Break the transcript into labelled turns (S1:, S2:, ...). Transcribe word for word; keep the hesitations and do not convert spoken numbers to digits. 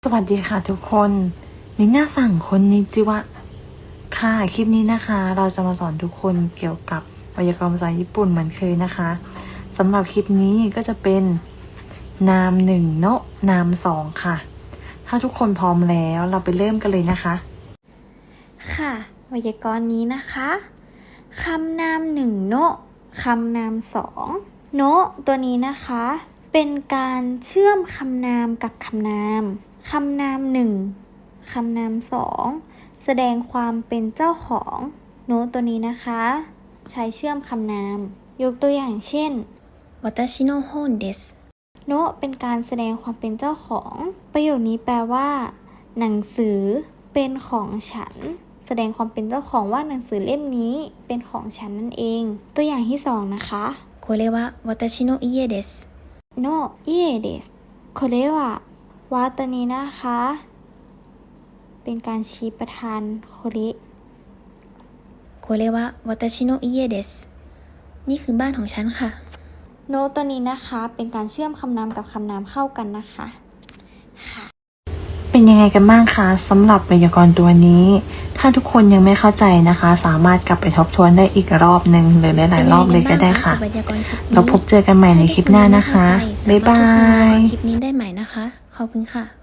S1: สวัสดีค่ะทุกคนมิน่าสั่งคนนิจิวะค่ะคลิปนี้นะคะเราจะมาสอนทุกคนเกี่ยวกับไวยากรณ์ภาษาญี่ปุ่นเหมือนเคยนะคะสำหรับคลิปนี้ก็จะเป็นนามหนึ่งโนะนามสองค่ะถ้าทุกคนพร้อมแล้วเราไปเริ่มกันเลยนะคะ
S2: ค่ะไวยากรณ์นี้นะคะคำนามหนึ่งโนะคำนามสองโนะตัวนี้นะคะเป็นการเชื่อมคำนามกับคำนามคำนามหนึ่งคำนามสองแสดงความเป็นเจ้าของโนะตัวนี้นะคะใช้เชื่อมคำนามยกตัวอย่างเช่น私の本ですโนะเป็นการแสดงความเป็นเจ้าของประโยคนี้แปลว่าหนังสือเป็นของฉันแสดงความเป็นเจ้าของว่าหนังสือเล่มนี้เป็นของฉันนั่นเองตัวอย่างที่สองนะคะこれは私の家ですโนะ家ですこれはว่าตัวนี้นะคะเป็นการชี้ประธานโคเระこれは私の家ですนี่คือบ้านของฉันค่ะโนะตัวนี้นะคะเป็นการเชื่อมคำนามกับคำนามเข้ากันนะคะค่ะ
S1: เป็นยังไงกันบ้างคะสำหรับไวยากรณ์ตัวนี้ถ้าทุกคนยังไม่เข้าใจนะคะสามารถกลับไปทบทวนได้อีกรอบหนึ่งหรือหลายๆรอบเลยก็ได้ค่ะเราพบเจอกันใหม่ในคลิปหน้านะคะบ๊ายบาย
S2: คลิปนี้ได้ใหม่นะคะขอบคุณค่ะ